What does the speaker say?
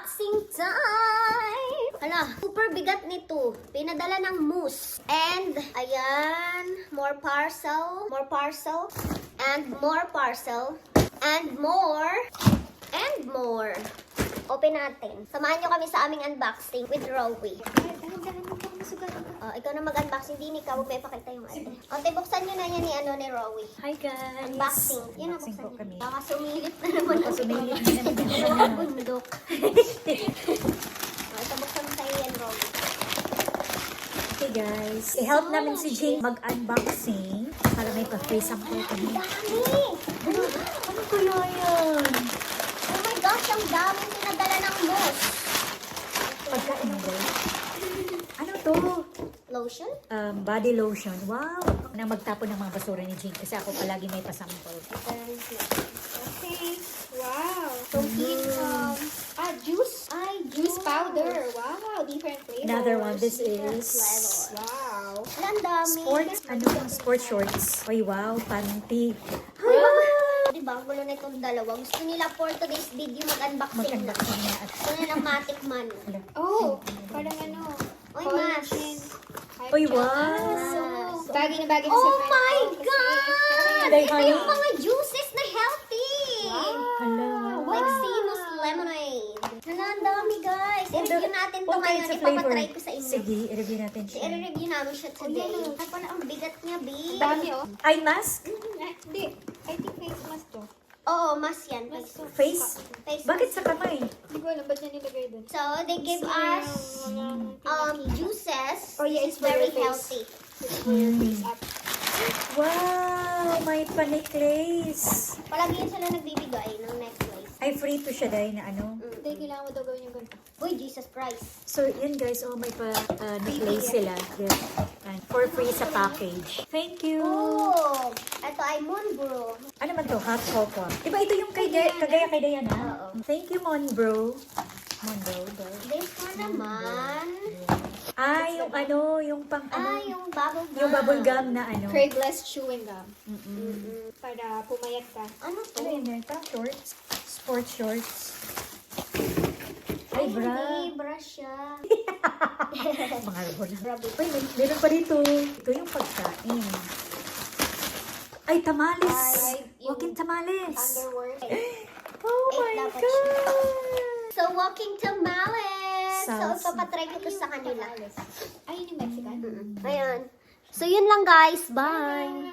unboxing time! Hala, super bigat nito. Pinadala ng Moose. And, ayan, more parcel, and more parcel, and more, and more. Open natin. Samahan nyo kami sa aming unboxing with Rowie. Ikaw na mag-unboxing. Din ikaw, huwag may pakita yung ate. Ate, buksan nyo na yan ni Rowie. Hi guys! Unboxing. Yun ang Unboxing buksan po kami. Baka sumilip na naman. Sumilip na naman. Mga bundok. Ito, buksan mo sa'yo yan, Rowie. Okay guys, i-help namin si Jane mag-unboxing para may pa-free sample kami. Dami! Ano kaya yan? Oh my gosh, ang daming pinadala ng Moose. Pagkain ba? Ano to? Lotion? Body lotion. Wow! Na magtapon ng mga basura ni Jane kasi ako palagi may pasample. Okay. Wow. So, juice. Ay, Juice powder. Wow. Different flavors. Another one. This Different is flavor. Wow. Wala, ang dami. sports. Ano yung sports shorts? Ay wow, panty. Diba, ang gulo na itong dalawa. Gusto nila for today's video mag-unboxing na. Mag-unboxing na at Gusto nila matic man. Oh, parang ano. Oy, collagen. mas. Uy, wow! Mas. Bagay na bagay na Oh sa friend my ko kasi- God! Day, Ito honey. yung mga juices na healthy! Hala. Like Seamus Lemonade. Hala, ang dami guys. I-review natin ito What ngayon. kinds of flavor? Ipapatry ko sa inyo. Sige, i-review natin siya. I-review namin siya today. yan, Ay, pala, ang bigat niya, babe. Dami, oh. Eye mask? Hindi. I think face mask to. Oo, mas yan. Mask to. Face? Face Bakit mask. sa kamay? Hindi ko alam. Ba't niya nilagay doon? So, they give us juices. Oh, yeah, This is it's for very your face. healthy. Face up. Wow! May pa-necklace. Palagi yan sila nagbibigay ng necklace. Ay, free to siya dahil na ano. Hindi, kailangan mo daw gawin yung ganito. Uy, Jesus Christ. So, yun guys. Oh, may pa-necklace sila. Yes. And for free sa package. Thank you! Oh, ito ay Moonbrew. Ano man to? Hot cocoa. Diba ito yung kagaya kay Diana? Oo. Thank you, Monbro. Monbro. This one naman. Ah, yung ano, yung pang ano. Yung bubble gum. Yung bubble gum na ano. Craveless chewing gum. Mm-mm. Para pumayat ka. Ano to? Ano yun ito? Shorts? Sports shorts. Ay, bra. Hindi, bra siya. Mga rubber. Grabe. Uy, meron pa dito. Ito yung pagkain. Ay, tamales. Ay, yung Walking tamales. Underwear. Oh my dapat God. So, walking tamales. So, Sounds- ipapatry ko to sa kanila. Ay, yun yung Mexican? Ayan. So, yun lang guys. Bye.